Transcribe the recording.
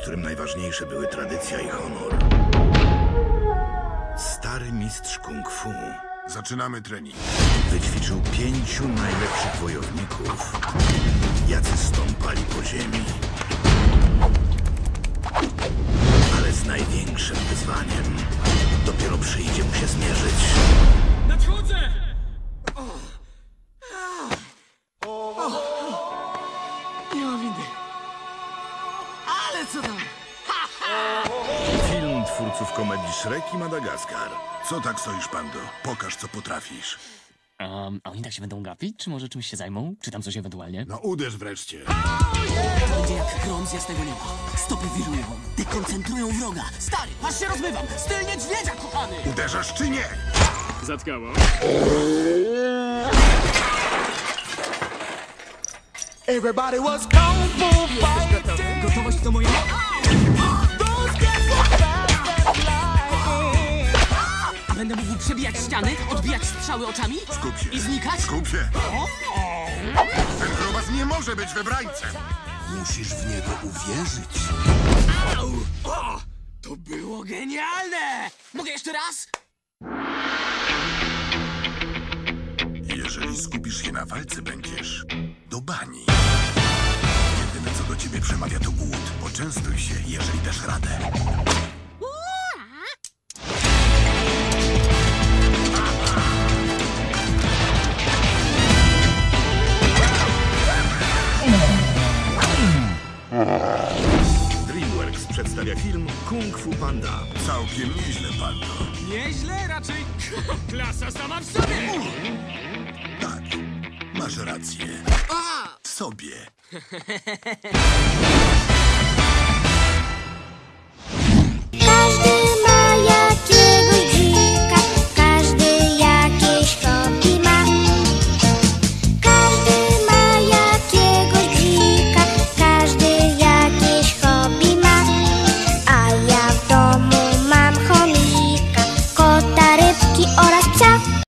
którym najważniejsze były tradycja i honor. Stary mistrz kung fu Zaczynamy trening. wyćwiczył 5 najlepszych wojowników, jacy stąpali po ziemi. Ale z największym wyzwaniem dopiero przyjdzie mu się zmierzyć. Nadchodzę! Nie ma windy. Ale co tam? Film twórców komedii Shrek i Madagaskar. Co tak stoisz, Pando? Pokaż, co potrafisz. A oni tak się będą gapić? Czy może czymś się zajmą? Czy tam coś ewentualnie? No uderz wreszcie. Będzie jak grom z jasnego nieba. Stopy wirują, dekoncentrują wroga. Stary, aż się rozmywam. Styl niedźwiedzia, kochany! Uderzasz czy nie? Zatkało. Everybody was kung fu fighting. Gotowość to moja... Those guys were fast as lightning. A będę mógł przebijać ściany, odbijać strzały oczami Skup się. i znikać? Skup się. Ten grobas nie może być wybrańcem. Musisz w niego uwierzyć. Au! O! To było genialne! Mogę jeszcze raz? Jeżeli skupisz się na walce, będziesz do bani. Jedyne, co do ciebie przemawia, to głód. Poczęstuj się, jeżeli dasz radę. DreamWorks przedstawia film Kung Fu Panda. Całkiem nieźle, Pando. Nieźle, raczej klasa sama w sobie! Tak, masz rację. W sobie.